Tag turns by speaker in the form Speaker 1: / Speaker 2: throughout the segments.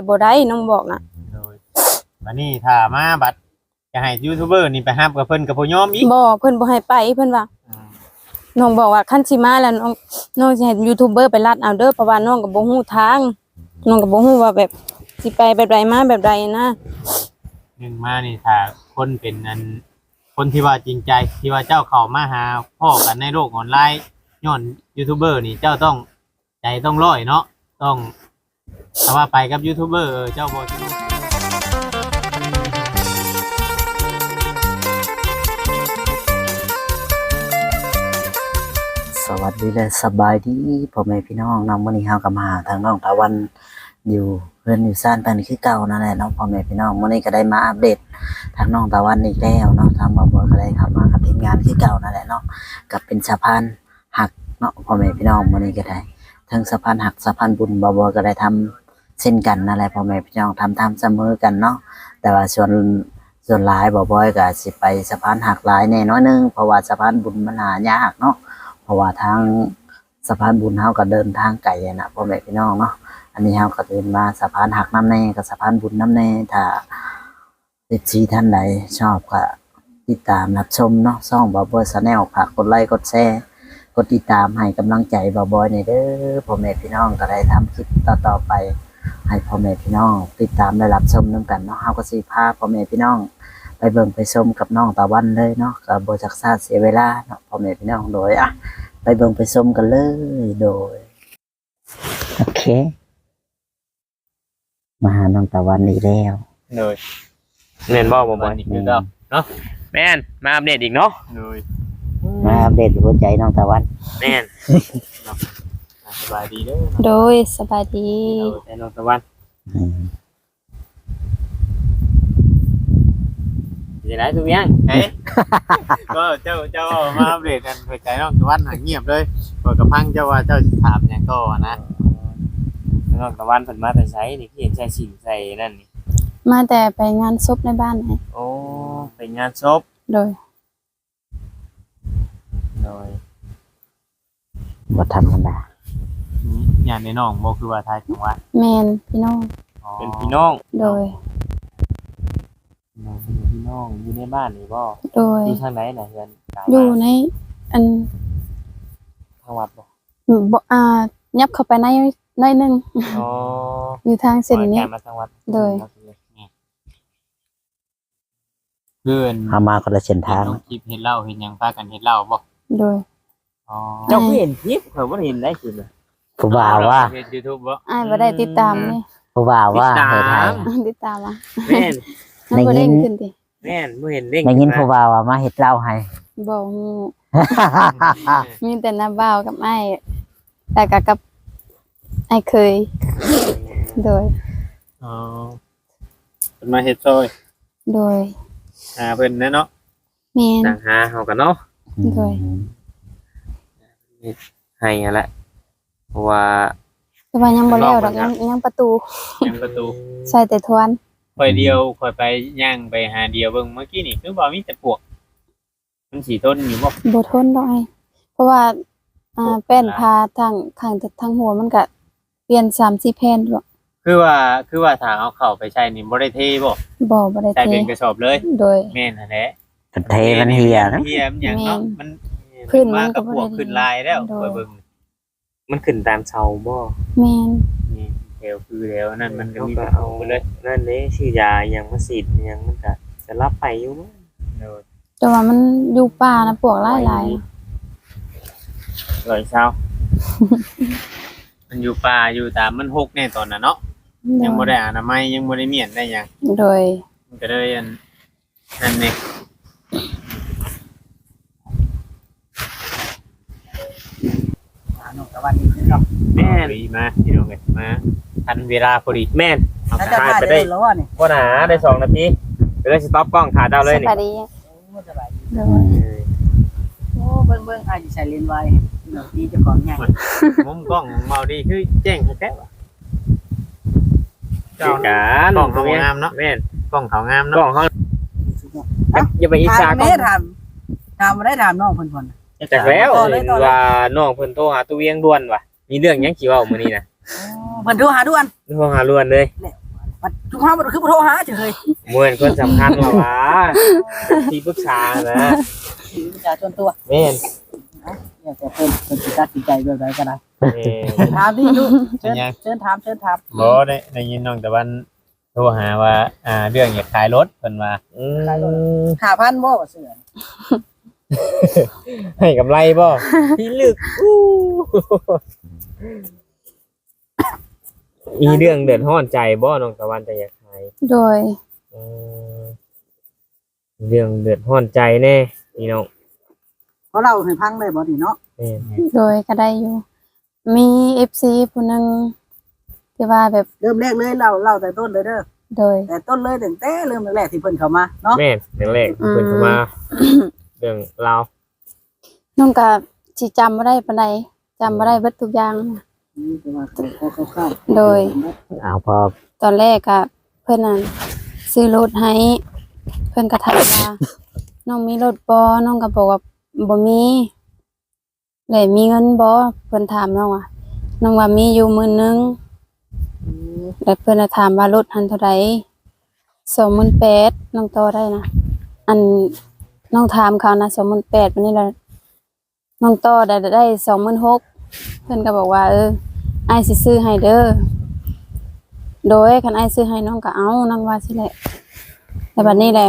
Speaker 1: บ่ได้น้องบอกนะ
Speaker 2: โดยบัดนี้ถ้ามาบัดจะให้ยูทูบเบอร์นี่ไปฮับกับเพิ่นก็บ่ยอมอีก
Speaker 1: บ่เพิ่นบ่ให้ไปเพิ่นว่าน้องบอกว่าคันสิมาแล้วน้องสิให้ยูทูบเบอร์ไปลัดเอาเด้อเพราะว่าน้องก็บ่ฮู้ทางน้องก็บ่ฮู้ว่าแบบสิไปแบบใดมาแบบใดนะ
Speaker 2: นึงมานี่ถ้าคนเป็นอันคนที่ว่าจริงใจที่ว่าเจ้าเข้ามาหาพ่อกันในโลกออนไลน์ย้อนยูทูบเบอร์นี่เจ้าต้องใจต้องร้อยเนาะต้องถ้าว่าไปกับยูทูบเบอร์เจ้าบ่สิรู้
Speaker 3: สวัสดีและสบายดีพ่อแม่พี่น้องนำวันนี้เฮาก็มาทางน้องตะวันอยู่เพื่อนอยู่ซ่านเป็นคือเก่านั่นแหละเนาะพ่อแม่พี่น้องวันนี้ก็ได้มาอัปเดตทางน้องตะวันอีกแล้วเนาะทางบ่าวก็ได้เข้ามากับทีมงานคือเก่านั่นแหละเนาะกับเป็นสะพานหักเนาะพ่อแม่พี่น้องวันนี้ก็ได้ทั้งสะพานหักสะพานบุญบ่าวก็ได้ทำเช่นกันนั่นแหละพ่อแม่พี่น้องทำเสมอกันเนาะแต่ว่าส่วนหลายบ่าวก็สิไปสะพานหักหลายแน่น้อยนึงเพราะว่าสะพานบุญมันหายากเนาะเพราะว่าทางสะพานบุญเฮาก็เดินทางไกลนะพ่อแม่พี่น้องเนาะอันนี้เฮาก็เดินมาสะพานหักน้ำแน่กับสะพานบุญน้ำแน่ถ้าท่านใดชอบก็ติดตามรับชมเนาะช่องบ่าวบอยชาแนลฝากกดไลค์กดแชร์กดติดตามให้กำลังใจบ่าวบอยหน่อยเด้อพ่อแม่พี่น้องก็ได้ทำคลิปต่อไปให้พ่อแม่พี่น้องติดตามได้รับชมนำกันเนาะเฮาก็สิพาพ่อแม่พี่น้องไปเบิ่งไปชมกับน้องตะวันเลยเนาะก็บ่จักซ่าเสียเวลาเนาะพ่อแม่พี่น้องโดยไปเบิ่งไปชมกันเลยโดยโอเคมาหาน้องตะวันอีกแล้ว
Speaker 2: เลยแม่นบ่บ่บ่นี่คือเก่าเนาะ
Speaker 4: แม่นมาอัปเดตอีกเนาะ
Speaker 2: เลย
Speaker 3: มาอัปเดตหัวใจน้องตะวัน
Speaker 4: แม่น
Speaker 2: สบายดีเด้อ
Speaker 1: โดยสบายดี
Speaker 4: แต่น้องตะวัน
Speaker 3: อืม
Speaker 4: จะได้ทุกอย่าง
Speaker 2: เฮ้ยก็เจ้ามาอัปเดตกันหัวใจน้องตะวันหาเงียบเลยบ่กระพังเจ้าว่าเจ้าสิถามหยังก็นะ
Speaker 4: น้องตะวันเพิ่นมาแต่ไสนี่เห็นใส่สินใส่นั่นนี่
Speaker 1: มาแต่ไปงานศพในบ้านให้
Speaker 4: โอ้ไปงานศพ
Speaker 1: โดย
Speaker 4: โดย
Speaker 3: บ่ธรรมดา
Speaker 2: อย่างในน้องบ่คือว่าทายจังหวัด
Speaker 1: แม่นพี่น้อง
Speaker 4: เป็นพี่น้อง
Speaker 1: โดย
Speaker 4: เป็นพี่น้องอยู่ในบ้านนี่บ่
Speaker 1: โดย
Speaker 4: อยู่ทางไหนน่ะเฮือนกลาง
Speaker 1: อยู่ในอัน
Speaker 4: ทางวัดบ่
Speaker 1: บ่ยับเข้าไปในหน่อยหนึง
Speaker 4: อ๋อ
Speaker 1: อยู่ทางเส้นนี้
Speaker 4: มาทางวัด
Speaker 1: โดย
Speaker 2: เพื่อน
Speaker 3: เฮามาคนละเส้นทาง
Speaker 2: น้องคลิปเฮ็ดเหล้าเฮ็ดหยังพากันเฮ็ดเหล้าบ่
Speaker 1: โดย
Speaker 2: อ๋อ
Speaker 4: เจ้าเห็นคลิปเพิ่นบ่เห็นได้คลิป
Speaker 3: ผู้บ่าวว่า
Speaker 2: เฮ็ด YouTube บ่
Speaker 1: อ้ายบ่ได้ติดตามนี่
Speaker 3: ผู้บ่าวว่าเฮ็ดให้
Speaker 1: ติดตามอ่ะ
Speaker 4: แม่น
Speaker 1: มันบ่ได้ขึ้นติ
Speaker 4: แม่นบ่เห็นเด้ง
Speaker 3: ได้ยินผู้บ่าวว่ามาเฮ็ดเหล้าให้
Speaker 1: บ่ฮู้มีแต่น้าบ่าวกับอ้ายแต่ก็กับอ้ายเคย โดย
Speaker 2: อ๋อเพิ่นมาเฮ็ดซอย
Speaker 1: โดย
Speaker 2: หาเพิ่นแน่เนาะ
Speaker 1: แม่น
Speaker 4: ต่างหาเฮากันเนาะ
Speaker 1: โดย
Speaker 4: ให้นั่นแหละเพราะว่า
Speaker 1: แต่ว่ายังบ่แล้วดอกยังประตู
Speaker 2: ยังประตู
Speaker 1: ใส่แต่ทวน
Speaker 2: ค่อยเดียวค่อยไปย่างไปหาเดียวเบิ่งเมื่อกี้นี่คือบ่มีแต่ปวก มันสิทนอยู่บ่
Speaker 1: บ่ทนดอกอ้ายเพราะว่าแป้นพาทางข้างทางหัวมันก็เปลี่ยน3-4แผ่นดอก
Speaker 2: คือว่าถ้าเอาเข้าไปใช้นี่บ่ได้เทบ่
Speaker 1: บ่ได้
Speaker 2: ใช้
Speaker 1: เท
Speaker 2: เป็นกระสอบเลย
Speaker 1: โดย
Speaker 2: แม่นหั่นแหละ
Speaker 3: มันเทมันเหี่ยนะ
Speaker 2: เหี่ยมันหยังเนาะมัน
Speaker 1: พื้นมัน
Speaker 2: มา
Speaker 1: ก็
Speaker 2: กับ
Speaker 1: บ่
Speaker 2: ปว
Speaker 1: ได้
Speaker 2: กขึ้นลายแล้ว
Speaker 1: โด
Speaker 2: ค่อย ยเบิ่ง
Speaker 4: มันขึ้นตามเสาบ่
Speaker 1: แม่น
Speaker 2: นี่แถวคือแถวนั่นมันก็
Speaker 4: เขา
Speaker 2: มี
Speaker 4: ก็
Speaker 2: ประ
Speaker 4: เอา
Speaker 2: ตูไปเลย
Speaker 4: นั่นเด้ชื่อยายังมาฉีดยังมันก็จะรับไปอยู่มั้ง
Speaker 2: โดย
Speaker 1: แต่ว่ามันอยู่ป่านะพวกหลาย
Speaker 4: ร้อยเช้า
Speaker 2: มันอยู่ป่าอยู่ตามมันหกแน่ตอนนั้นเนาะ
Speaker 1: ๆ
Speaker 2: ยังบ่ได้อนามัยยังบ่ได้เมียนได้หยัง
Speaker 1: โดย
Speaker 2: มันก็เลยอันนั่นนี่แม่นมาพี่น้องเอ้ยมาทันเวลาพอดี
Speaker 4: แม่น
Speaker 2: เอา
Speaker 5: แล้ว
Speaker 2: ไป
Speaker 5: จะถ่ายได้แล้ววะนี่
Speaker 4: บ่หนาได้2 นาทีเดี๋ยวสิต็อปกล้องถ่ายเจ้าเลย
Speaker 1: ส
Speaker 4: นี่
Speaker 1: บายดี
Speaker 5: สบายดี
Speaker 1: โดย
Speaker 5: โอ้เบิ่งอาจจะใส่เลนส์ไว้หน่อยดีเจะของใหญ่
Speaker 2: มุมกล้องเมาดีคือแจ้งแท้ๆว่ะ
Speaker 4: เจ้าการ
Speaker 2: กล้องเขางามเนาะ
Speaker 4: แม่น
Speaker 2: กล้องเขางาม
Speaker 4: กล้อ
Speaker 2: เนาะ
Speaker 4: งเขาอย่าไปอิจฉา
Speaker 5: ถาม
Speaker 4: กล้
Speaker 5: แม่
Speaker 4: อง
Speaker 5: ถามมาได้ถามน้องเพิ่นก่อน
Speaker 4: จากแล้ว
Speaker 5: ต่อเลย
Speaker 4: เห็นว่าน้องเพิ่นโทรหาตู้เวียงด่วนว่ะมีเรื่องหยังสิเว้ามื้อนี้น่ะ
Speaker 5: เพิ่นโทรหาด่วน
Speaker 4: โทรหาด่วนเลย
Speaker 5: แล้วบัดทุกครั้งมันคือบ่โทรหาเฉย
Speaker 4: มวยคนสำคัญว่าวะที่ปรึกษานะ
Speaker 5: ที่ประชาชนตัว
Speaker 4: แม่น
Speaker 5: เนี่ยแต่เพิ่นสิตัดสินใจแบบใดก็ได้
Speaker 4: แม่น
Speaker 5: ถามดิลูกเชิญ
Speaker 2: เป็นยัง
Speaker 5: เชิญถาม
Speaker 2: บ่ได้ยินน้องตะวันโทรหาว่าเรื่องอยากขายรถเพิ่นว่า
Speaker 5: 5,000บ่เสื้อ
Speaker 4: ให้กำไรบ่พี่ลึกมีเรื่องเดือดร้อนใจบ่น้องตะวันจะอยากขาย
Speaker 1: โดย
Speaker 4: อืมเรื่องเดือดร้อนใจแน่พี่น้อง
Speaker 5: เพราะเราให้พังได้บ่นี่เนาะ
Speaker 4: แม่น
Speaker 1: โดยก็ได้อยู่ มี FC ผู้หนึงที่ว่าแบบ
Speaker 5: เริ่มแรกเลยเราแต่ต้นเลยเด้อ
Speaker 1: โดย
Speaker 5: แต่ต้นเลยตั้งแต่เริ่มแรกๆที่เพิ่นเข้ามาเนาะ
Speaker 4: แม่นเรื่องแรกเพิ่นเข้ามาเรื่องราว
Speaker 1: น้องก็สิจำบ่ได้ปานใดจำบ่ได้เบิดทุกอย่าง
Speaker 5: แต่ว่าขอคร่าว
Speaker 1: โดย
Speaker 3: เอาพอ
Speaker 1: ตอนแรกอะเพิ่นน่ะซื้อรถให้เพิ่นก็ถามว่า น้องมีรถบ่น้องก็บอกว่าบ่มีแล้วมีเงินบ่เพิ่นถามน้องว่าน้องว่ามีอยู่10,000แล้วเพิ่นน่ะถามว่ารถหันเท่าใด28,000น้องต่อได้นะอันน้องถามเขานะ28,000วันนี้ล่ะน้องต่อได้26,000เพิ่นก็บอกว่าอ้ายสิซื้อให้เด้อ โดยคันอ้ายซื้อให้น้องก็เอาน้องว่าสิแหละแต่บัดนี้แหละ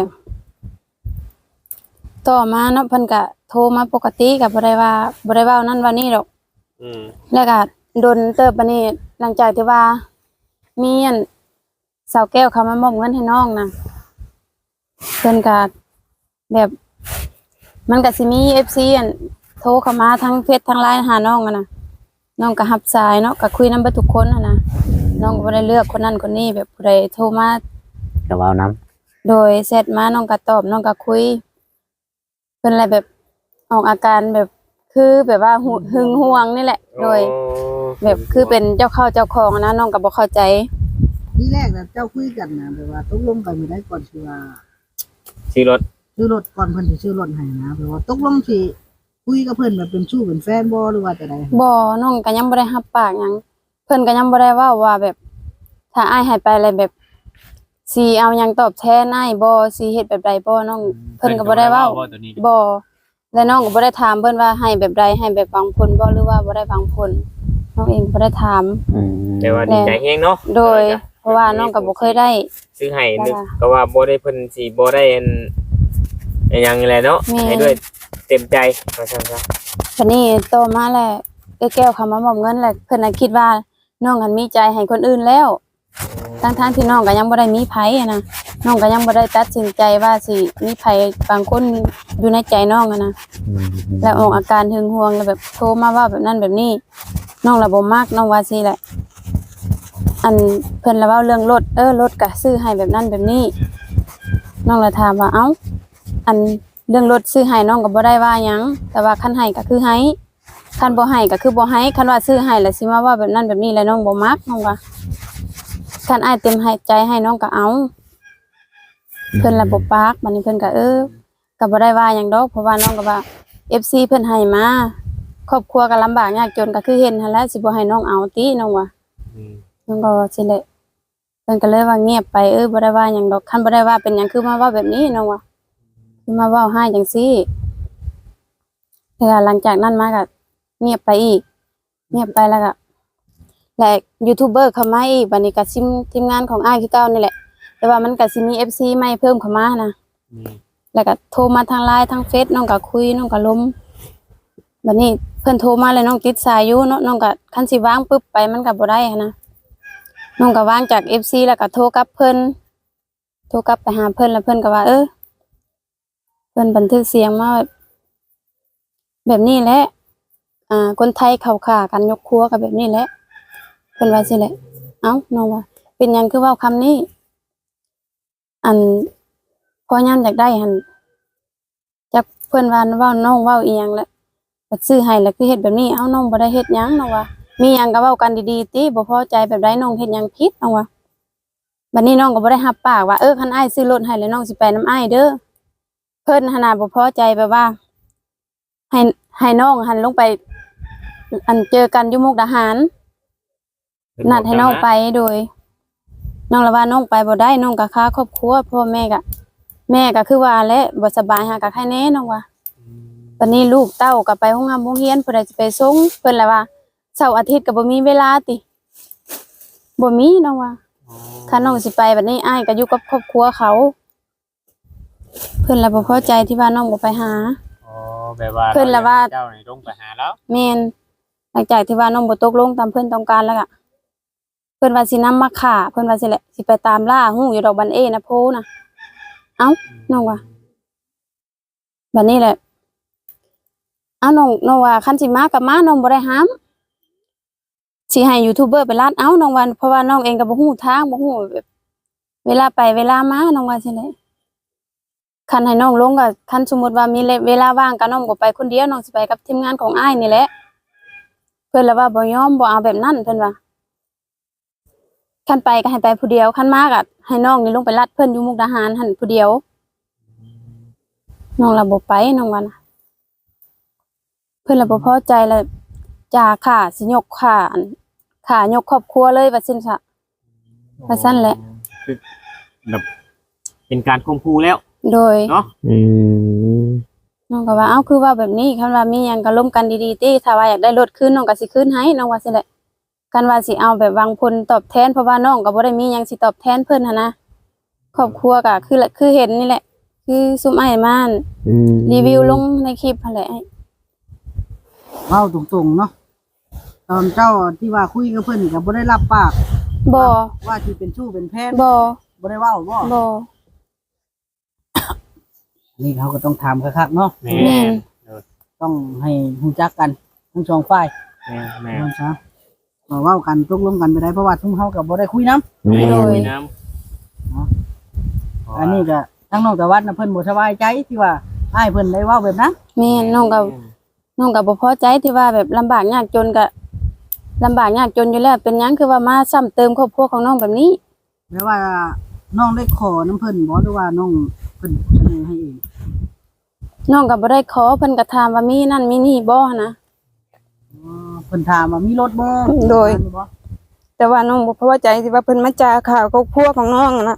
Speaker 1: ต่อมาเนาะเพิ่นก็โทรมาปกติก็บ่ได้เว้านั่นว่านี่ดอก
Speaker 4: อืม
Speaker 1: แล้วก็โดนเติบบัดนี้หลังจากที่ว่ามีอันสาวแก้วเขามามอบเงินให้น้องนะเพิ่นก็แบบมันก็สิมี FC อันโทรเข้ามาทั้งเฟซทั้ง LINE หาน้องอะนะน้องก็รับสายเนาะก็คุยนำเบิดทุกคนอะนะน้องก็บ่ได้เลือกคนนั้นคนนี้แบบผู้ใดโทรมา
Speaker 3: ก็เว้านํ
Speaker 1: โดยเสร็จมาน้องก็ตอบน้องก็คุยเพิ่นอะไรแบบออกอาการแบบคือแบบว่าหึงหวงนี่แหละ โดยแบบคือเป็นเจ้าเข้าเจ้าของอะนะน้องก็บ่เข้าใจ
Speaker 5: ที่แรกน่ะเจ้าคุยกันนะแบบว่าตกลงกันอยู่ได้ก่อนสิว่า
Speaker 4: ซื้อรถ
Speaker 5: ซื้อรถก่อนเพิ่นสิซื้อรถให้นะแบบว่าตกลงสิคุยกับเพิ่นแบบเป็นชู้เป็นแฟนบ่หรือว่าจะได
Speaker 1: บ่น้องก็ยังบ่ได้รับปากหยังเพิ่นก็ยังบ่ได้เว้าว่าแบบ ถ้าอ้ายให้ไปอะไรแบบสิเอาหยังตอบแทนอ้ายบ่สิเฮ็ดแบบใดบ่น้องเพิ่นก็บ่ได้เว้า
Speaker 2: ตัวนี้
Speaker 1: บ่และน้องก็บ่ได้ถามเพิ่นว่าให้แบบใดให้แบบหวังผลบ่หรือว่าบ่ได้หวังผลน้องเองบ่ได้ถาม
Speaker 3: อืม
Speaker 4: แต่ว่าดีใจแฮงเนาะ
Speaker 1: โดย เพราะว่าน้องก็บ่เคยได้
Speaker 4: ซื้อให้นึก
Speaker 1: จ้ะ
Speaker 4: ก็ว่าบ่ได้เพิ่นสิบ่ได้อันหยังนี่แหละเนาะ
Speaker 1: แม่
Speaker 4: ให้ด้วยเต็มใจว่าซั่นซะ
Speaker 1: บัดนี้โตมาแล้วแก้วเขามามอบเงินแล้วเพิ่นน่ะคิดว่าน้องหันมีใจให้คนอื่นแล้วทั้งๆที่น้องก็ยังบ่ได้มีไผอะนะน้องก็ยังบ่ได้ตัดสินใจว่าสิมีไผบางคนอยู่ในใจน้องอะนะ
Speaker 3: อืม
Speaker 1: แล้วออกอาการหึงหวงแล้วแบบโทรมาว่าแบบนั้นแบบนี้น้องละบ่มักน้องว่าสิแหละ อันเพิ่นละเว้าเรื่องรถรถก็ซื้อให้แบบนั้นแบบนี้น้องละถามว่าเอ้าอันเรื่องรถซื้อให้น้องก็บ่ได้ว่าหยังแต่ว่าคันให้ก็คือให้คันบ่ให้ก็คือบ่ให้คันว่าซื้อให้แล้วสิมาว่าแบบนั้นแบบนี้แล้วน้องบ่มักน้องว่าคันอ้ายเต็มให้ใจให้น้องก็เอาเพิ่นละบ่ปากบัดนี้เพิ่นก็ก็บ่ได้ว่าหยังดอกเพราะว่าน้องก็ว่า FC เพิ่นให้มาครอบครัวก็ลำบากยากจนก็คือเห็นหั่นแหละสิบ่ให้น้องเอาติน้องว่า
Speaker 4: อืม
Speaker 1: น้องก็ว่าสิแหละเพิ่นก็เลยว่าเงียบไปบ่ได้ว่าหยังดอกคันบ่ได้ว่าเป็นหยังคือมาเว้าแบบนี้น้องว่าคือมาเว้าให้จังซี่แล้วหลังจากนั้นมาก็เงียบไปอีก เงียบไปแล้วก็และยูทูบเบอร์เข้ามาอีกบัดนี้ก็ทีมงานของอ้ายคือเก่านี่แหละแต่ว่ามันก็สิมี FC ใหม่เพิ่มเข้ามานะ
Speaker 4: อืม
Speaker 1: แล้วก็โทรมาทาง LINE ทางเฟซน้องก็คุยน้องก็ล้มบัดนี้เพิ่นโทรมาแล้วน้องติดสายอยู่เนาะน้องก็คันสิวางปึ๊บไปมันก็บ่ได้หันนะน้องก็วางจาก FC แล้วก็โทรกลับเพิ่นโทรกลับไปหาเพิ่นแล้วเพิ่นก็ว่าเพิ่นบันทึกเสียงมาแบบนี้แหละคนไทยเขาฆ่ากันยกครัวก็แบบนี้แหละเพิ่นว่าสิแหละเอ้าน้องว่าเป็นหยังคือเว้าคำนี้อันพอยามอยากได้หั่นจักเพิ่นว่าเว้าน้องเว้าอีหยังแหละบัดซื้อให้แล้วคือเฮ็ดแบบนี้เอ้าน้องบ่ได้เฮ็ดหยังน้องว่ามีหยังก็เว้ากันดีๆติบ่พอใจแบบใดน้องเฮ็ดหยังผิดน้องว่าบัดนี้น้องก็บ่ได้รับปากว่าคันอ้ายซื้อรถให้แล้วน้องสิไปนำอ้ายเด้อเพิ่นหันน่ะบ่พอใจแบบว่าให้น้องหันลงไปอันเจอกันอยู่มุกดาหารนัดให้น้องไปโดยน้องละว่าน้องไปบ่ได้น้องก็ค่าครอบครัวพ่อแม่ก็คือว่าแหละบ่สบายหาก็ใครแน่น้องว่าวันนี้ลูกเต้าก็ไปโรงงานโรงเรียนเพิ่นจะไปส่งเพิ่นละว่าเสาร์อาทิตย์ก็บ่มีเวลาติบ่มีน้องว่าถ้าน้องสิไปบัดนี้อ้ายก็อยู่กับครอบครัวเขาเพิ่นละบ่พอใจที่ว่าน้องบ่ไปหา
Speaker 2: อ๋อแบบว่า
Speaker 1: เพิ่นละว่า
Speaker 2: เจ้านี่ลงไปหาแล้ว
Speaker 1: แม่นหลังจากที่ว่าน้องบ่ตกลงตามเพิ่นต้องการแล้วก็เพิ่นว่าสินำมาฆ่าเพิ่นว่าสิแหละสิไปตามล่าฮู้อยู่ดอกบันเอนะโพนะเอ้าน้องว่าบัดนี้แหละเอ้าน้องว่าคันสิมากับมาน้องบ่ได้ห้ามสิให้ยูทูบเบอร์ไปลาดเอ้าน้องว่าเพราะว่าน้องเองก็บ่ฮู้ทางบ่ฮู้แบบเวลาไปเวลามาน้องว่าสิแหละคันให้น้องลงก็คันสมมุติว่ามีเวลาว่างก็น้องบ่ไปคนเดียวน้องสิไปกับทีมงานของอ้ายนี่แหละเพิ่นละว่าบ่ยอมบ่เอาแบบนั้นเพิ่นว่าคันไปก็ให้ไปผู้เดียวคันมาก็ให้น้องนี่ลงไปลัดเพิ่นอยู่มุกดาหารหั่นผู้เดียวน้องละบ่ไปน้องว่านะเพิ่นละบ่พอใจแล้วจ่าค่าสิยกค่ายกครอบครัวเลยว่าซั่นซะว่าซั่นแหละ
Speaker 4: คือแบบเป็นการข่มขู่แล้ว
Speaker 1: โดย
Speaker 4: เนาะ
Speaker 1: น้องก็ว่าเอ้าคือว่าแบบนี้คันว่ามีหยังก็ร่วมกันดีๆติถ้าว่าอยากได้รถคืนน้องก็สิคืนให้น้องว่าซั่นแหละกันว่าสิเอาแบบวางผลตอบแทนเพราะว่าน้องก็บ่ได้มีหยังสิตอบแทนเพิ่นหันนะครอบครัวก็คือเห็นนี่แหละ คือซุมอ้ายม่านรีวิวลงในคลิปหั่นแหละ
Speaker 5: เว้าตรงๆเนาะตอนเจ้าที่ว่าคุยกับเพิ่นก็บ่ได้รับปาก
Speaker 1: บ่
Speaker 5: ว่าสิเป็นชู้เป็นแฟน
Speaker 1: บ่
Speaker 5: บ่ได้เว้าบ่
Speaker 1: บ่
Speaker 5: นี่เขาก็ต้องถามคักๆเนาะ
Speaker 2: แม่
Speaker 1: แม่น
Speaker 5: ต้องให้รู้จักกันทั้งสองฝ่าย
Speaker 4: แม่
Speaker 5: เนาะซะมาเว้ากันตกลงกันไปได้เพราะว่าทุ่มเฮาก็บ่ได้คุยนํ
Speaker 1: โดย
Speaker 4: น้
Speaker 5: อันนี้ก็ทั้งน้องตะวันน่ะเพิ่นบ่สบายใจที่ว่าอ้ายเพิ่นได้เว้าแบบนั้น
Speaker 1: แม่นน้องก็บ่พอใจที่ว่าแบบลำบากยากจนก็ลำบากยากจนอยู่แล้วเป็นหยังคือว่ามาซ้ำเติมครอบครัวของน้องแบบนี้
Speaker 5: แม้ว่าน้องได้ขอน้ำเพิ่นบ่หรือว่าน้องเพิ่นเสนอให้เอง
Speaker 1: น้องก็บ่ได้ขอเพิ่นก็ถามว่ามีนั่นมีนี่บ่นะ
Speaker 5: เพิ่นถามว่ามีรถบ่
Speaker 1: โดย แต่ว่าน้องบ่พอใจที่ว่าเพิ่นมาจาข่าวครอบครัวของน้องอะนะ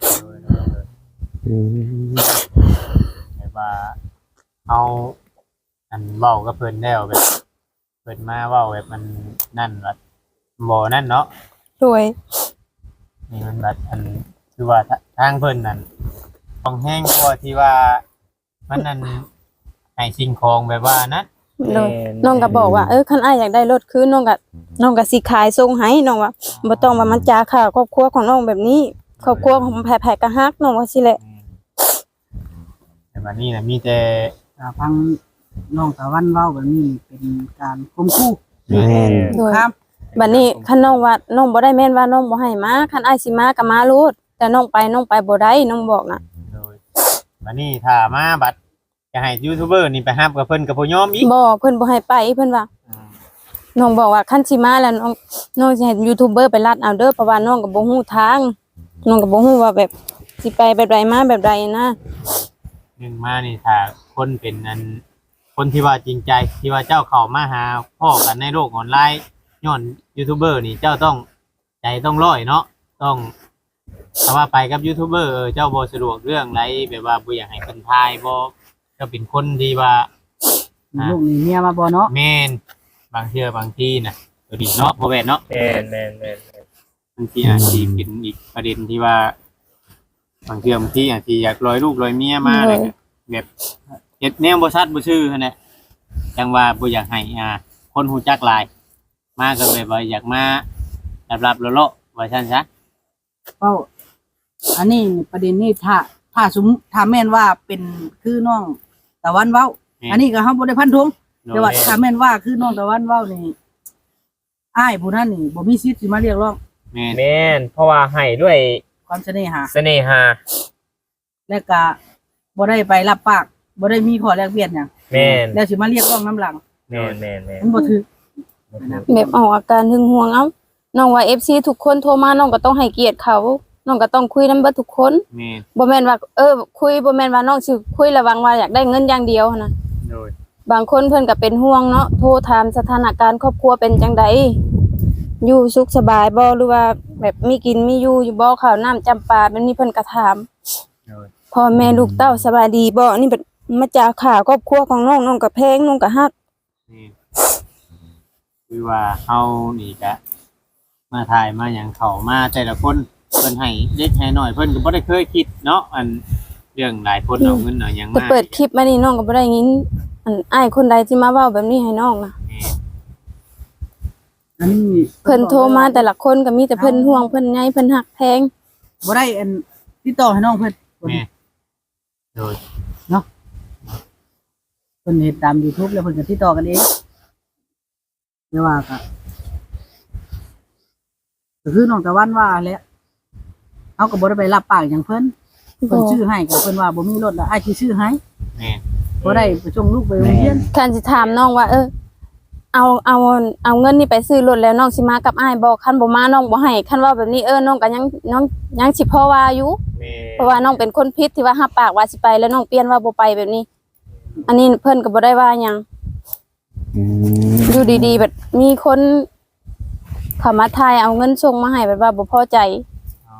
Speaker 2: แบบว่าเอาอันเว้ากับเพิ่นแล้วแบบเพิ่นมาเว้าแบบมันนั่นว่าบ่นั่นเนาะ
Speaker 1: โดย
Speaker 2: นี่มันแบบอันคือว่าทางเพิ่นนั่นต้องแห้งกว่าที่ว่ามันนั่นให้สิ่งของแบบว่านั้น
Speaker 1: โดยน้องก็บอกว่าคันอ้ายอยากได้รถคืนน้องก็สิขายส่งให้น้องว่าบ่ต้องว่ามันจาข่าวครอบครัวของน้องแบบนี้ครอบครัวของแผ่ๆก็ฮักน้องว่าสิแหละ
Speaker 2: แต่ว่านี่นะมีแต่
Speaker 5: ฟังน้องตะวันเว้าแบบนี้เป็นการข่มขู่
Speaker 1: โดย
Speaker 5: ครับ
Speaker 1: บัดนี้คันน้องว่าน้องบ่ได้แม่นว่าน้องบ่ให้มาคันอ้ายสิมาก็มาโลดแต่น้องไปบ่ได้น้องบอกน่ะ
Speaker 2: โดยวันนี้ถ้ามาบัดจะให้ยูทูบเบอร์นี่ไปฮับกับเพิ่นกับพ่อยอมอีก
Speaker 1: บ่เพิ่นบ่ให้ไปเพิ่นว่าน้องบอกว่าคันสิมาแล้วน้องสิให้ยูทูบเบอร์ไปลัดเอาเด้อเพราะว่าน้องก็บ่ฮู้ทางน้องก็บ่ฮู้ว่าแบบสิไปแบบใดมาแบบใดนะ
Speaker 2: หนึ่งมานี่ถ้าคนเป็นอันคนที่ว่าจริงใจที่ว่าเจ้าเข้ามาหาพ่อกันในโลกออนไลน์ย้อนยูทูบเบอร์นี่เจ้าต้องใจต้องร้อยเนาะต้องถ้าว่าไปกับยูทูบเบอร์เจ้าบ่สะดวกเรื่องไรแบบว่าบ่อยากให้เพิ่นทายบ่เจ้าเป็นคนที่ว่า
Speaker 5: มีลูกมีเมียมาบ่เนาะ
Speaker 2: แม่นบางเทื่อบางทีน่ะตัวดีเนาะบ่แม่นเนาะ
Speaker 4: แม่น
Speaker 2: บางทีอาจจะเป็นอีกประเด็นที่ว่าบางทีอาจจะอยากลอยลูกลอยเมียมาเลยแบบเฮ็ดแนวบ่ชัดบ่ชื่อหั่นแหละจังว่าบ่อยากให้คนฮู้จักหลายมาก็แบบว่าอยากมาลับๆเลาะๆว่าซั่นซะ
Speaker 5: เว้าอันนี้ประเด็นนี้ถ้าแม่นว่าเป็นคือน้องตะวันเว้า อันนี้ก็เฮาบ่ได้พันธงแต่ว่าถ้าแม่นว่าคือน้องตะวันเว้านี่อ้ายผู้นั้นนี่บ่มีสิทธิ์สิมาเรียกร้อง
Speaker 2: แม่น
Speaker 4: แม่นเพราะว่าให้ด้วย
Speaker 5: ความเสน่หา
Speaker 4: เสน่หา
Speaker 5: และก็บ่ได้ไปรับปากบ่ได้มีข้อแลกเปลี่ยนหยัง
Speaker 4: แม่น
Speaker 5: แล้วสิมาเรียกร้องน้ำหลัง
Speaker 4: แม่น
Speaker 5: มันบ่ถือ
Speaker 1: แบบออกอาการหึงหวงเอ้าน้องว่า FC ทุกคนโทรมาน้องก็ต้องให้เกียรติเขาน้องก็ต้องคุยนำเบิดทุกคน
Speaker 2: แม่น
Speaker 1: บ่แม่นว่าคุยบ่แม่นว่าน้องสิคุยระวังว่าอยากได้เงินอย่างเดียวหั้นนะ
Speaker 2: โดย
Speaker 1: บางคนเพิ่นก็เป็นห่วงเนาะโทรถามสถานการณ์ครอบครัวเป็นจังไดอยู่สุขสบายบ่หรือว่าแบบมีกินมีอยู่อยู่บ่ข้าวน้ำจำปาแบบนี้เพิ่นก็ถาม
Speaker 2: โดย
Speaker 1: พ่อแม่ลูกเต้าสบายดีบ่นี่แบบมาจากข่าวครอบครัวของน้องก็แพงน้องก็ฮัก
Speaker 2: นี่คือว่าเฮานี่ก็มาถ่ายมาหยังเข้ามาแต่ละคนเพิ่นให้เล็กให้น้อยเพิ่นก็บ่ได้เคยคิดเนาะอันเรื่องหลายคนเอาเงินเอาหยัง
Speaker 1: แต่
Speaker 2: มา
Speaker 1: เปิดคลิปมานี่น้องก็บ่ได้ยินอันอ้ายคนใดที่มาเว้าแบบนี้ให้น้องนะ
Speaker 2: นี่
Speaker 5: อันนี้
Speaker 1: เพิ่นโทรมาแต่ละคนก็มีแต่เพิ่นห่วงเพิ่นใยเพิ่นฮักแพง
Speaker 5: บ่ได้อันติดต่อให้น้องเพิ่น
Speaker 2: แม่โดย
Speaker 5: เพิ่นเฮ็ดตาม YouTube แล้วเพิ่นก็ติดต่อกันเองแต่ว่าก็คือน้องตะวันว่าแหละเฮาก็บ่ได้ไปรับปากหยังเพิ่นเพิ่นชื่อให้ก็เพิ่นว่าบ่มีรถแล้วอ้ายสิชื่อให้
Speaker 2: แม่
Speaker 5: บ่ได้ไปส่งลูกไปโรงเรียน
Speaker 1: คันสิถามน้องว่าเอาเงินนี่ไปซื้อรถแล้วน้องสิมากับอ้ายบ่คันบ่มาน้องบ่ให้คันว่าแบบนี้น้องก็ยังสิพอว่าอยู่
Speaker 2: แม่
Speaker 1: เพราะว่าน้องเป็นคนผิดที่ว่ารับปากว่าสิไปแล้วน้องเปลี่ยนว่าบ่ไปแบบนี้ อันนี้เพิ่นก็บ่ได้ว่าหยัง อยู่ดีๆแบบมีคนเขามาทายเอาเงินส่งมาให้แบบว่าบ่พอใจ
Speaker 2: อ๋อ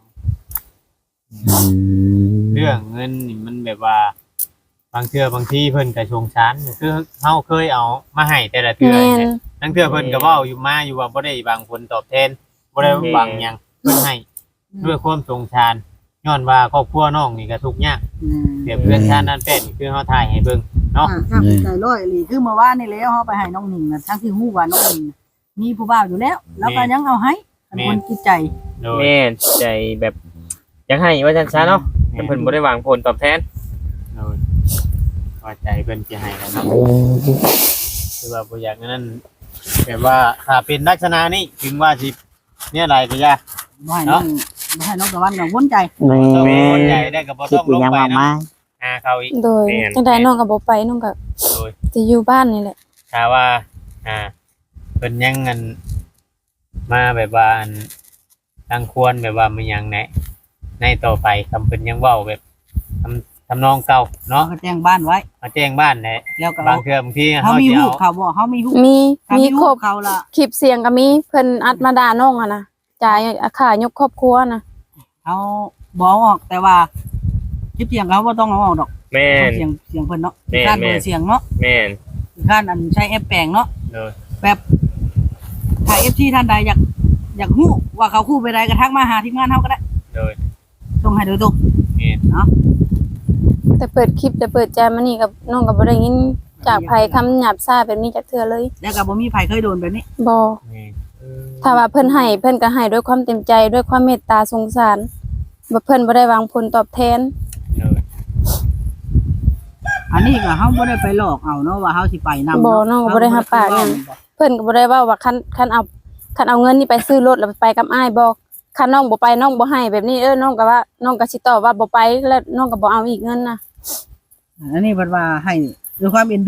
Speaker 2: เรื่องเงินนี่มันแบบว่า บางเทื่อบางทีเพิ่นก็สงสารคือเฮาเคยเอามาให้แต่ละเทื่อ
Speaker 1: แม่น
Speaker 2: เนี่ยทั้งเทื่อเพิ่นก็เว้าอยู่มาอยู่ว่าบ่ได้บางผลตอบแทนบ่ได้บางหยังเพิ่นให้ด้วยความสงสารย้อนว่าครอบครัวน้องนี่ก็ทุกข์ยากเปรียบเพื่อนชาตินั้นเป็นคือเฮาถ่ายให้เบิ่งเนาะ
Speaker 5: ถ้าใจร้อยอีหลีคือเมื่อวานนี่แล้วเฮาไปให้น้องหนิงน่ะทั้งที่ฮู้ว่าน้องหนิงน่ะมีผู้บ่าวอยู่แล้ว แล้วก็ยังเอาให้อันคนจิตใจ
Speaker 2: โดย
Speaker 4: แม่นใจแบบอยากให้ว่าจังซั่นเนาะแต่เพิ่นบ่ได้หวังผลตอบแทน
Speaker 2: โดยว่าใจเพิ่นสิให้กันเนาะคือว่าบ่อยากนั้นแบบว่าถ้าเป็นลักษณะนี้ถึงว่าสิเนี่ยอะไรก็อย่า
Speaker 5: บ่ให้น้องบ่ให้น้องตะวันกังวลใจ
Speaker 2: ต้องคนใจได้ก็บ่
Speaker 3: คิ
Speaker 2: ต้
Speaker 3: ด
Speaker 2: อง
Speaker 3: อี
Speaker 2: ลง
Speaker 3: หยัง
Speaker 2: ไป
Speaker 3: มาก
Speaker 2: นะ
Speaker 3: มาย
Speaker 2: หาเขาอีก
Speaker 1: โดยจังไดน้องก็บ่ไปน้องก็
Speaker 2: โดย
Speaker 1: สิอยู่บ้านนี่แหละ
Speaker 2: ถ้าว่าเพิ่นยังเงินมาแบบว่าอันตั้งควรแบบว่ามันยังในต่อไปคำเพิ่นยังเว้าแบบทำนองเก่า
Speaker 5: เขา
Speaker 2: เนาะ
Speaker 5: ก็แจ้งบ้านไว้
Speaker 2: มาแจ้งบ้านแหละ
Speaker 5: แล้วก็
Speaker 2: บางเทื่อบางที
Speaker 5: เฮา
Speaker 2: เฮา
Speaker 5: มี
Speaker 2: สิ
Speaker 5: ฮู้
Speaker 2: เอา
Speaker 5: เขาบ่เฮามีฮู้
Speaker 1: มี
Speaker 5: ถ้า
Speaker 1: มี
Speaker 5: มี
Speaker 1: คร
Speaker 5: ฮู้
Speaker 1: บ
Speaker 5: เขาล่ะ
Speaker 1: คลิปเสียงก็มีเพิ่นอัดมาด่าน้องอะนะจ่ายค่ายกครอบครัวนะ
Speaker 5: เอาบ่ออกแต่ว่าคลิปเสียงเขาบ่ต้องเอาออกดอก
Speaker 4: แม่น
Speaker 5: เสียงเพิ่นเนาะ
Speaker 4: แม่น
Speaker 5: การ
Speaker 4: แม่
Speaker 5: เบ
Speaker 4: น
Speaker 5: อร์เสียงเนาะ
Speaker 4: แม่น
Speaker 5: การอันใช้แอปแปลงเนาะ
Speaker 2: โดย
Speaker 5: แบบถ้า FC ท่านใดอยากฮู้ว่าเขาคู่ไปใดก็ทักมาหาทีมงานเฮาก็ได้
Speaker 2: โดย
Speaker 5: ส่งให้โดยตรง
Speaker 2: นี่
Speaker 1: แต่เปิดคลิปแต่เปิดใจมานี่กับน้องก็บ่ได้ยินจากไผคำหยาบซ่าแบบนี้จากเทื่อเลย
Speaker 5: แล้วก็บ่มีไผเคยโดนแบบนี้
Speaker 1: บ่
Speaker 2: นี่
Speaker 1: ถ้าว่าเพิ่นให้เพิ่นก็ให้ด้วยความเต็มใจด้วยความเมตตาสงสารบ่เพิ่นบ่ได้หวังผลตอบแทน
Speaker 2: โดย
Speaker 5: อันนี้ก็เฮาบ่ได้ไปหลอกเอาเนาะว่าเฮาสิไปนำ
Speaker 1: บ่น้องก็บ่ได้รับปากหยัง เพิ่นก็บ่ได้เว้าว่าคันเอาเงินนี่ไปซื้อรถแล้วไปกับอ้ายบ่คันน้องบ่ไปน้องบ่ให้แบบนี้น้องก็ว่าน้องก็สิตอบว่าบ่ไปแล้วน้องก็บ่เอาอีกเงินนะ
Speaker 5: อันนี้เพิ่นว่าให้ด้วยความเอ็นดู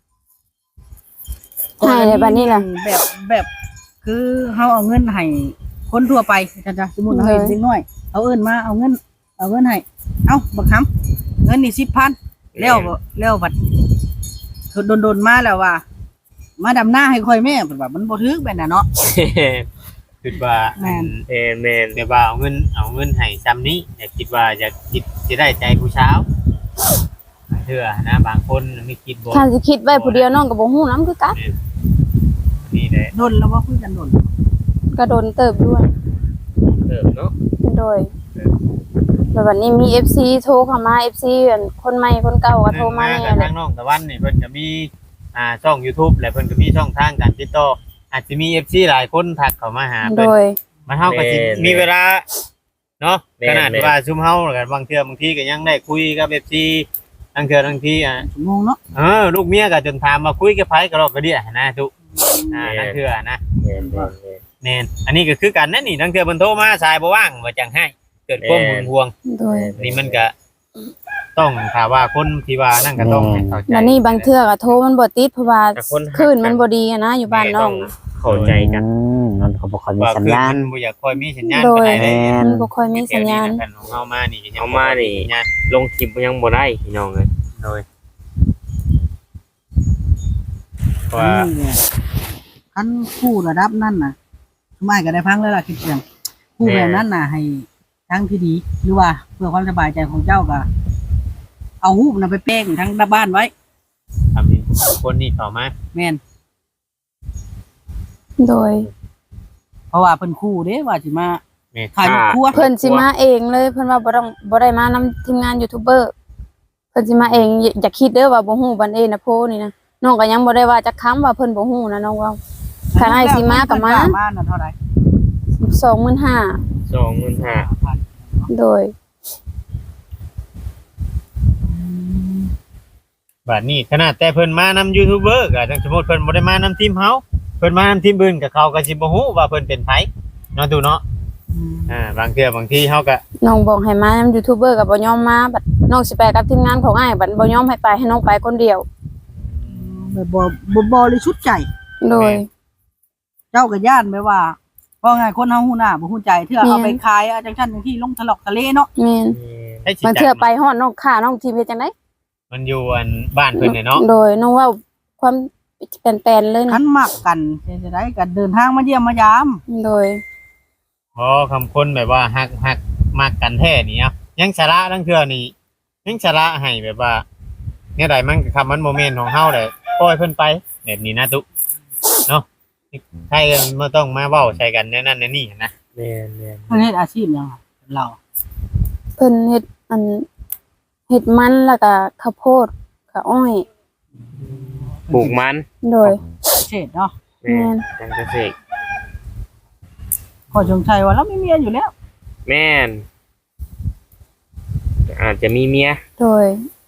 Speaker 1: ให้ในบัดนี้ล่ะ
Speaker 5: แบบคือเฮาเอาเงินให้คนทั่วไปจ้ะสมมุติเฮาเห็นเด็กน้อยเอาเอิ้นมาเอาเงินให้เอ้าบักคำเงินนี่ 10,000แล้วบัดโดนๆมาแล้วว่า มาดำหน้าให้ค่อยแม่เพิ่นว่ามันบ่ถึกแบบนั้นเนาะ
Speaker 2: คิดว่า
Speaker 5: แม่น
Speaker 4: แม่น
Speaker 2: แบบว่าเอาเงินให้ซ้ำนี้อยากคิดว่าอยากคิดสิได้ใจผู้เช้าบางเทื่อนะบางคนไม่คิดบ่
Speaker 1: ถ้าสิคิดไว้ผู้เดียวน้องก็บ่ฮู้นำคือกัน
Speaker 2: นี่แหละ
Speaker 5: โดนแล้วว่าคุยกันโดน
Speaker 1: ก็โดนเติบด้วย
Speaker 4: เติบเนาะ
Speaker 1: โดยแล้ววันนี้มี FC โทรเข้ามา FC อันคนใหม่คนเก่าก็โทรมาแน่
Speaker 2: กับ
Speaker 1: แห
Speaker 2: ทา
Speaker 1: ละ
Speaker 2: งน้องตะวันนี่เพิ่นก็มีช่อง YouTube และเพิ่นก็มีช่องทางการติดต่ออาจจะมี FC หลายคนทักเข้ามาหา
Speaker 1: โด
Speaker 2: เพิ่น
Speaker 1: ย
Speaker 2: มาเฮาก็สิมีเวลาเนาะขนาดว่าซุมเฮาก็บางเทื่อบางทีก็ยังได้คุยกับ FC บางเทื่อบางที
Speaker 5: ชั่วโมงเนาะ
Speaker 2: ลูกเมียก็จนถามมาคุยกับไผก็รอกระเดียนะทุกนั่นเทื่อนะ
Speaker 4: แม่นแม่น
Speaker 2: แม่นอันนี้ก็คือกันนั่นนี่บางเทื่อเพิ่นโทรมาสายบ่ว่างว่าจังให้เกิดความหึงหวง
Speaker 1: โดย
Speaker 2: นี่มันก็ต้องถ้าว่าคนที่ว่านั่นก็ต้องให้เข้าใจ
Speaker 1: แล้วนี่บางเทื่อก็โทรมันบ่ติดเพราะว่าคลื่นมันบ่ดีอะนะอยู่บ้านน้องนะ
Speaker 4: เข้าใจกัน
Speaker 3: มันก็บ่ค่อยมี
Speaker 2: ว่า
Speaker 3: สัญ
Speaker 2: คือ
Speaker 3: ญาณ
Speaker 2: มันบ่อยากคอยมีสัญญาณ
Speaker 1: โด
Speaker 2: ปาน
Speaker 1: ย
Speaker 2: ใดเลย
Speaker 1: มันบ่ค่อยมีสัญญาณ
Speaker 2: แผ่นของเฮามานี่ก็ยัง
Speaker 4: เอามานี่
Speaker 2: สัญญาณ
Speaker 4: ลงคลิปยังบ่ได้พี่น้องเอ้ย
Speaker 2: โดยว่า
Speaker 5: คันคู่ระดับนั่นน่ะสมัยก็ได้พังแล้วล่ะคิดเสียงผู้แบบนั้นน่ะให้ทั้งที่ดีหรือว่าเพื่อความสบายใจของเจ้าก็เอารูปน่ะไปแป้งทั้งบ้านไว้
Speaker 2: ทำเป็นคนนี่เข้ามา
Speaker 5: แม่น
Speaker 1: โดย
Speaker 5: เพราะว่าเพิ่นคู่เด้ว่าสิมา
Speaker 2: แม่
Speaker 5: ขายครัว
Speaker 1: เพิ่นสิมาเองเลยเพิ่นว่าบ่ได้มานำทีมงานยูทูบเบอร์เพิ่นสิมาเองอย่าคิดเด้อว่าบ่ฮู้บันเอนะโพนี่นะน้องก็ยังบ่ได้ว่าจักคำว่าเพิ่นบ่ฮู้นะน้องว่าถ้าให้สิมาก็มา
Speaker 5: มาน่ะเท่าไหร่
Speaker 1: 25,000
Speaker 4: 25,000
Speaker 1: โดย
Speaker 2: บัดนี้ขนาดแต่เพิ่นมานำยูทูบเบอร์ก็จังสมมุติเพิ่นบ่ได้มานำทีมเฮาเพิ่นมานำทีมอื่นก็เขาก็สิบ่ฮู้ว่าเพิ่นเป็นไผเนาะตูเนาะบางเทื่อบางทีเฮาก็
Speaker 1: น้องบอกให้มานำยูทูบเบอร์ก็บ่ยอมมาบัดน้องสิไปกับทีมงานของอ้ายบัดบ่ยอมให้ไปให้น้องไปคนเดียว
Speaker 5: แบบบ่บริสุทธิ์ใจ
Speaker 1: โดย
Speaker 5: เจ้าก็ย่านไปว่าเพราะไงคนเฮาฮู้หน้าบ่ฮู้ใจเทื่อเอาไปขายอะจังซั่นจังที่ลงทะเลาะทะเลเนาะ
Speaker 1: แม่น
Speaker 2: ให้สิ
Speaker 1: บางเทื่อไปฮอดน้องค่าน้องทีมเฮ็ดจังได๋
Speaker 2: มันอยู่อันบ้านเพิ่นเนี่ยเนาะ
Speaker 1: โดยน้องเว้าความแปลนๆเลย
Speaker 5: คั
Speaker 1: นะ
Speaker 5: นมักกันจะได้กันเดินทางมาเยี่ยมมายาม
Speaker 1: โดย
Speaker 2: อ๋อคำคนแบบว่าฮักมักกันแท้นี่เอายังสาระทั้งเทื่อนี่ยังสาระให้แบบว่าเนี่ยใดมันก็คำมันโมเมนต์ของเฮาแหละปล่อยเพิ่นไปแบบนี้นะตุเนาะใช่บ่ต้องมาเว้าใส่กันแนวนั้นแนวนี้นะ
Speaker 4: แม่น
Speaker 5: เพิ่นเฮ็ดอาชีพหยังอะเรา
Speaker 1: เพิ่นเฮ็ดมันแล้วก็ข้าวโพดกับอ้อย
Speaker 4: ปลูกมัน
Speaker 1: โดย
Speaker 5: เฉดเนาะ
Speaker 4: แม่นจังเกษตร
Speaker 5: ขอจงชัยว่าเรามีเมียอยู่แล้ว
Speaker 4: แม่นอาจจะมีเมีย
Speaker 1: โดย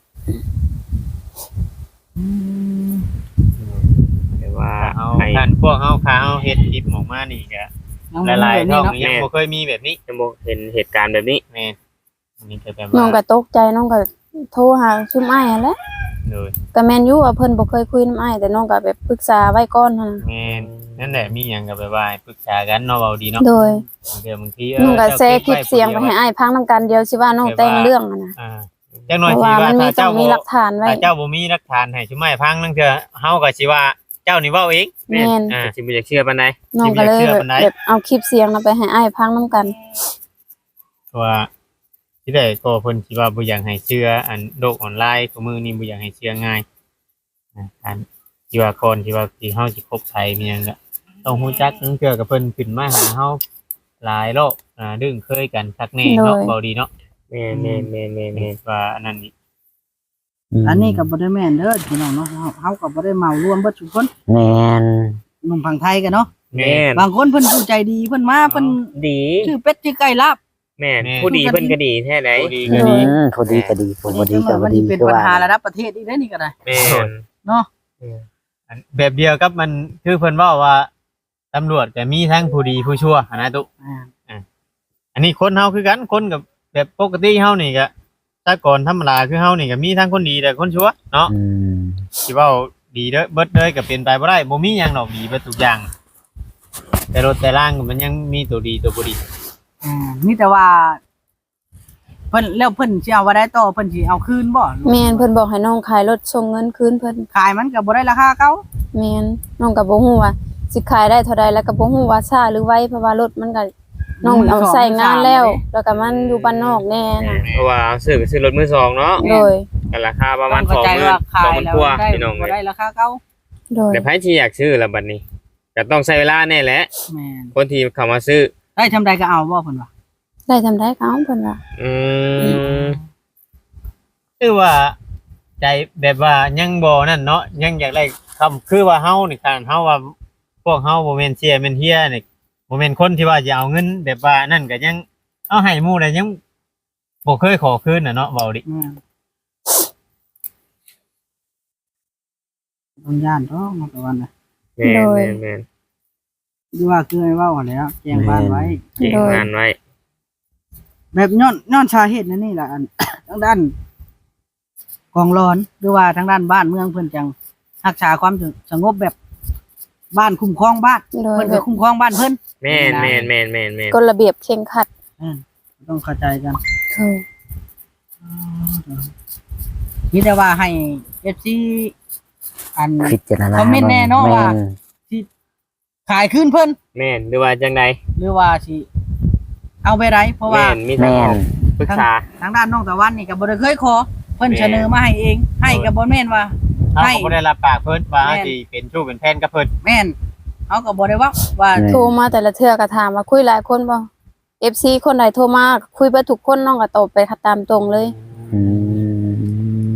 Speaker 4: แต่ว่า
Speaker 2: เอา
Speaker 4: ให้
Speaker 2: ท่านพวกเฮาค้าเฮาเฮ็ดคลิปออกมานี่ก็
Speaker 5: ยังบ่
Speaker 2: หลาย
Speaker 5: มี
Speaker 2: ๆ
Speaker 5: แบบ
Speaker 2: ช่อง
Speaker 5: นี้เนาะ
Speaker 2: ยังบ่เคยมีแบบนี้
Speaker 4: จะบ่เห็นเหตุการณ์แบบนี้
Speaker 2: แม่นอันนี้ก็แบบ
Speaker 1: น้องก็
Speaker 2: ว่า
Speaker 1: ตกใจน้องก็โทรหาซุมอ้ายนั่นแหละ
Speaker 2: เลย
Speaker 1: ก็แม่นอยู่ว่าเพิ่นบ่เคยคุยนำอ้ายแต่น้องก็แบบปรึกษาไว้ก่อนหั่นน่ะ
Speaker 2: แม่นนั่นแหละมีหยังก็แบบว่าปรึกษากันเนาะเว้าดีเนาะ
Speaker 1: โดย
Speaker 2: บางที
Speaker 1: น้องก็แชร์คลิปเสียงไปให้อ้ายฟังนำกันเดียวสิว่าน้องแต่งเรื่องหั่นน่ะ
Speaker 2: จังหน่
Speaker 1: เพ
Speaker 2: อย
Speaker 1: ราะ
Speaker 2: สิ
Speaker 1: ว่า
Speaker 2: ว่า
Speaker 1: มันมี
Speaker 2: ถ้า
Speaker 1: ต้อ
Speaker 2: เจ้าง
Speaker 1: มี
Speaker 2: บ่
Speaker 1: หลักฐานไว้
Speaker 2: ถ้าเจ้าบ่มีหลักฐานให้ชุมไม้พังนั่นคือเฮาก็สิว่าเจ้านี่เว้าเอง
Speaker 1: แม่น
Speaker 4: สิบ่อยากเชื่อปานใด
Speaker 1: น้องก็เลย
Speaker 2: สิบ่อยากเชื่อปานใด
Speaker 1: แบบเอาคลิปเสียงน่ะไปให้อ้ายฟังนำกัน
Speaker 2: ว่าที่ได้ก็เพิ่นสิว่าบ่อยากให้เชื่ออันโลกออนไลน์ของมือนี้บ่อยากให้เชื่อง่ายอันที่ว่าก่อนที่ว่าที่เฮาสิคบใครมีหยังก็ต้องฮู้จักนึงเทื่อกับเพิ่นขึ้นมาหาเฮาหลายรอบดึงเคยกันคักแน่เนาะ
Speaker 1: โดย
Speaker 2: เบาดีเนาะ
Speaker 4: แม่น
Speaker 2: ว่าอันนั้นนี่
Speaker 5: อันนี้ก็บ่ได้แม่นเด้อพี่น้องเนาะเฮาก็บ่ได้เมารวมเบิดทุกคน
Speaker 3: แม่น
Speaker 5: หนุ่มฝั่งไทยกันเนาะ
Speaker 4: แม่น
Speaker 5: บางคนเพิ่นผู้ใจดีเพิ่นมาเพิ่น
Speaker 4: ดี
Speaker 5: ชื่อเป็ดชื่อไก่ลาบ
Speaker 4: แม่นผู้ดีเพิ่นก็ดีแท้ใด
Speaker 2: บ่ดี
Speaker 3: อื
Speaker 2: ก็ดี
Speaker 3: มพอดีก็ดีพอดีก็
Speaker 5: มั
Speaker 3: บ่
Speaker 5: น
Speaker 3: ดี
Speaker 5: สิเป็น
Speaker 3: คือ
Speaker 5: ปัญ
Speaker 3: ว่า
Speaker 5: หาระดับประเทศอีกได้อนี่ก็ได้
Speaker 4: แม่น
Speaker 5: เนาะ
Speaker 2: อันแบบเดียวกับมันคือเพิ่นเว้าว่าตำรวจก็มีทั้งผู้ดีผู้ชั่วหั้นนะตุ อันนี้คนเฮาคือกันคนกับแบบปกติเฮานี่ก็แต่ก่อนธรรมดาคือเฮานี่ก็มีทั้งคนดีแต่คนชั่วเนาะ
Speaker 3: อืม
Speaker 2: สิเว้าดีเด้อเบิดเลยก็เป็นไปบ่ได้บ่มีหยังดอกดีเบิดทุกอย่าง แต่รถแต่ล่างมันยังมีตัวดีตัวบ่ดี
Speaker 5: นี่แต่ว่าเพิ่นแล้วเพิ่นสิเอาว่าได้ต่อเพิ่นสิเอาคืนบ่
Speaker 1: แม่นเพิ่นบอกให้น้องขายรถส่งเงินคืนเพิ่น
Speaker 5: ขายมันก็บ่ได้ราคาเก่า
Speaker 1: แม่นน้องก็บ่ฮู้ว่าสิขายได้เท่าใดแล้วก็บ่ฮู้ว่าช้าหรือไวเพราะว่ารถมันก็น้องเอาใช้งานแล้ว แล้วก็มันอยู่บ้านนอกแน่น่ะ
Speaker 4: เพราะว่าซื้อรถมือสองเนาะ
Speaker 1: โดย
Speaker 4: ก็ราคาประมาณ
Speaker 5: เข้าใจว่าขาย
Speaker 4: 20,000
Speaker 5: แล้ว
Speaker 4: กว่า
Speaker 5: ได้
Speaker 4: พี่น้อง
Speaker 5: บ่
Speaker 4: เอ้
Speaker 5: ได้
Speaker 4: ย
Speaker 5: ราคาเก่า
Speaker 1: โดย
Speaker 4: แต่ไผที่อยากซื้อละบัดนี้ก็ต้องใช้เวลาแน่แหละ
Speaker 5: แม่น
Speaker 4: คนที่เข้ามาซื้อ
Speaker 5: ได้ทำใดก็เอาบ่เพิ่นว่า
Speaker 1: ได้ทำได้ก็เอาเพิ่นว่า
Speaker 4: อืม
Speaker 2: คือว่าใจแบบว่ายังบ่นั่นเนาะยังอยากได้คำคือว่าเฮานี่การเฮาว่าพวกเฮาบ่แม่นเสียแม่นเฮียนี่บ่แม่นคนที่ว่าจะเอาเงินแบบว่านั่นก็ยังเอาให้หมู่ได้ยังบ่เคยขอคืนน่ะเนาะเว้าดิ
Speaker 5: ต้องย่านท้องมาตะวันน่ะ
Speaker 4: แม่น
Speaker 5: ดูว่าคือให้เว้าหั่นแหล้วแจ้งบ้านไว้
Speaker 4: เก่งงานไว้
Speaker 5: แบบย้อนสาเหตุนั่นนี่ล่ะอัน ทางด้านกองร้อนหรือว่าทางด้านบ้านเมืองเพิ่นจังรักษาความสงบแบบบ้านคุ้มครองบ้าน
Speaker 1: โดย
Speaker 5: เพิ่น
Speaker 1: แบ
Speaker 5: ก็
Speaker 1: บ
Speaker 5: คุ้มครองบ้านเพิ่น
Speaker 4: แม่น
Speaker 1: กฎระเบียบเคร่งครัด
Speaker 5: ต้องเข้าใจกัน
Speaker 1: โดย
Speaker 5: มีแต่ว่าให้ FC อัน
Speaker 3: พิจารณา
Speaker 5: คอมเมนต์แน่เนาะว่า
Speaker 3: แม่
Speaker 5: ขายคืนเพิ่น
Speaker 4: แม่นหรือว่าจังใด
Speaker 5: หรือว่าสิเอาไปได้เพราะว่า
Speaker 4: แม่นมีทางออกปรึกษา
Speaker 5: ทางด้านน้องตะวันนี่ก็บ่ได้เคยขอเพิ่น
Speaker 4: แม่น
Speaker 5: เสนอมาให้เองให้ก็บ่แม่นว่า
Speaker 2: เฮา
Speaker 5: ให้
Speaker 2: ก็บ่ได้รับปากเพิ่นว่า
Speaker 5: แม่น
Speaker 2: สิเป็นชู้เป็นแฟนกับเพิ่น
Speaker 5: แม่นเขาก็บ่ได้ว่า
Speaker 1: โทรมาแต่ละเทื่อก็ถามว่าคุยหลายคนบ่ FC คนใดโทรมาคุยเบิดทุกคนน้องก็ตอบไปตามตรงเลย
Speaker 3: อืม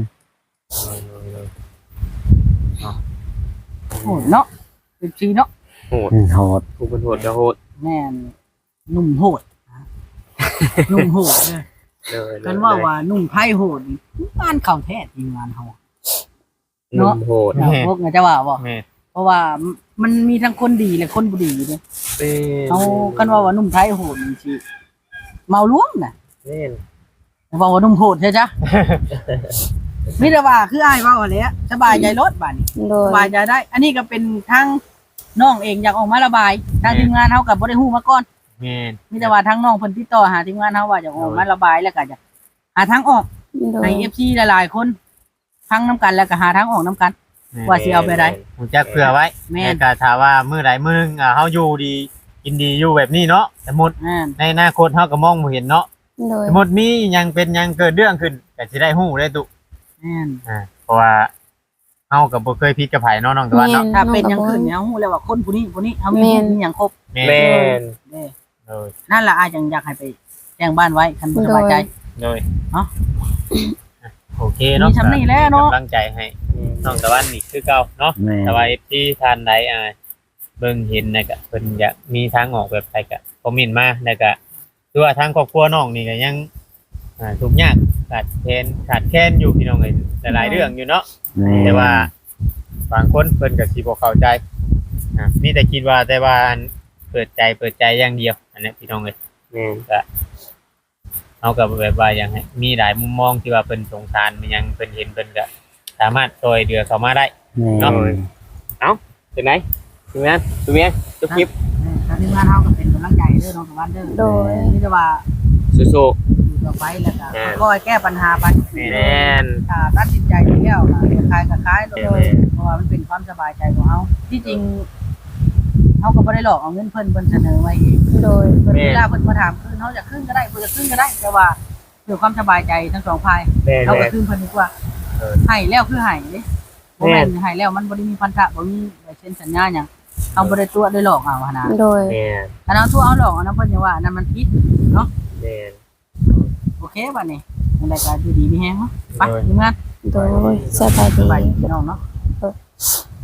Speaker 5: โหดเนาะเป็นชีเนาะ
Speaker 4: โหด
Speaker 3: โหด
Speaker 4: ผู้เป็นโหดก็โหด
Speaker 5: แม่นหนุ่มโหดหนุ่มโหดเด้อ
Speaker 4: เลย
Speaker 5: กันว่าหนุ่มไทยโหดนี่งานเข้าแท้จริงงานเฮา
Speaker 4: หนุ่มโหด
Speaker 5: พวกไงจะว่าบ่
Speaker 2: แม่น
Speaker 5: เพราะว่ามันมีทั้งคนดีและคนบ่ดีเด้
Speaker 4: เป็น
Speaker 5: เอากันว่าหนุ่มไทยโหดนี่สิเมาล้วงน่ะ
Speaker 4: แม่น
Speaker 5: บอกว่าหนุ่มโหดใช่จ้ะ มิแต่ว่าคืออ้ายเว่าอะไรอะสบายใจรถบ้านนี้
Speaker 1: โด
Speaker 5: ส
Speaker 1: ย
Speaker 5: บายใจได้ อันนี้ก็เป็นทั้งน้องเองอยากออกมาระบายทางทีมงานเฮากับบ่ได้ฮู้มาก่อน
Speaker 2: แม่น
Speaker 5: มิแต่ว่าทั้งน้องเพิ่นติดต่อหาทีมงานเฮาว่าอยากออกมาระบายแล้วก็อยากหาทางออก
Speaker 1: โด
Speaker 5: ให้
Speaker 1: ย
Speaker 5: FC หลายๆคนทั้งน้ำกันแล้วก็หาทางออกน้ำกัน ว่าสิเอาไปได้
Speaker 2: ฮู้จักเผื่อไว้
Speaker 5: แม่น
Speaker 2: ก็ถ้าว่ามื้อใดมื้อหนึงเฮาอยู่ดีกินดีอยู่แบบนี้เนาะสมมุติ
Speaker 5: อ่า
Speaker 2: ในอนาคตเฮาก็มองบ่เห็นเนาะ
Speaker 1: โดย
Speaker 2: สมมุติมีหยังเป็นหยังเกิดเรื่องขึ้นก็สิได้ฮู้ได้ตุ
Speaker 5: แม่น
Speaker 2: เพราะว่าเฮาก็บ่เคยผิดกับไผเนาะน้องตะวันเนาะ
Speaker 5: ถ้าเป็นหยังขึ้นเนี่ยเฮาฮู้แล้วว่าคนผู้นี้เฮามี
Speaker 1: แม่น
Speaker 5: มีหยังครบ
Speaker 2: แม่
Speaker 4: แม่น
Speaker 5: เด้
Speaker 2: โดย
Speaker 5: นั่นล่ะอ้ายจังอยากให้ไปแจ้งบ้านไว้คันบ่สบายใจ
Speaker 2: โดย
Speaker 5: เนาะ
Speaker 2: โอเคเนาะ
Speaker 5: มีสำนีแล้วเนาะ
Speaker 2: กำลังใจให้น้องตะวันนี่คือเก่าเนาะ
Speaker 3: แม่
Speaker 2: แต่ว่าที่ท่านใดเบิ่งเห็นนะก็เพิ่นอยากมีทางออกแบบใดก็คอมเมนต์มาแล้วก็คือว่าทางครอบครัวน้องนี่ก็ยังทุกข์ยากขาดแคลนอยู่พี่น้องเอ้ยหลายๆเรื่องอยู่เนาะ
Speaker 3: แม่
Speaker 2: แต่ว่าบางคนเพิ่นก็สิบ่เข้าใจมีแต่คิดว่าแต่ว่าอันเปิดใจอย่างเดียวอันนี้พี่น้องเอ้ย
Speaker 4: แม่น
Speaker 2: ก็เอากับแบบว่าอย่างให้มีหลายมุมมองที่ว่าเพิ่นสงสารมันยังเพิ่นเห็นเพิ่นก็สามารถช่วยเหลือเขามาได้
Speaker 3: แม่
Speaker 2: เนาะ
Speaker 4: เป็นไงทีมงานตัวเมียตัวคลิป
Speaker 5: ทางทีมงานเฮาก็เป็นกำลังใจเด้อน้องตะวันเด้อ
Speaker 1: โดย
Speaker 5: มีแต่ว่า
Speaker 4: สู้
Speaker 5: อยู่ต่อไปแล้วก็
Speaker 4: แม่น
Speaker 5: คอยแก้ปัญหาไป
Speaker 4: ๆแม่น
Speaker 5: ถ้าตัดสินใจแล้วก็จะคลายก็คลายโด
Speaker 4: แม่
Speaker 5: ย
Speaker 4: น
Speaker 5: เพราะว่ามันเป็นความสบายใจของเฮาที่จริงเฮาก็บ่ได้หลอกเอาเงินเพิ่นเสนอไว้เอง
Speaker 1: โดย
Speaker 5: เพิ่นเวลาเพิ่นมาถามคืนเฮาจะคืนก็ได้เพิ่นจะคืนก็ได้แต่ว่าเพื่อความสบายใจทั้งสองฝ่าย
Speaker 4: แม่น
Speaker 5: เฮาก็
Speaker 4: แม่น
Speaker 5: คืนเพิ่นดีกว่า
Speaker 2: เออ
Speaker 5: ให้แล้วคือให้เด้บ่แม่นให้แล้วมันบ่ได้มีพันธะบ่มีใบเซ็นสัญญาหยังเฮาบ่ได้ตัวได้หลอกเอาหั่นนะ
Speaker 1: โดย
Speaker 4: แม่น
Speaker 5: อันนั้นตัวเอาหลอกอันนั้นเพิ่นจะว่าอันนั้นมันผิดเนาะ
Speaker 4: แม่น
Speaker 5: โอเคบัดนี้ในรายการอยู่ดีมีแฮงเนาะไปทีมงาน
Speaker 1: โดยสบาย
Speaker 5: สบาย
Speaker 1: ดี
Speaker 5: ดีพี่น้องเนาะ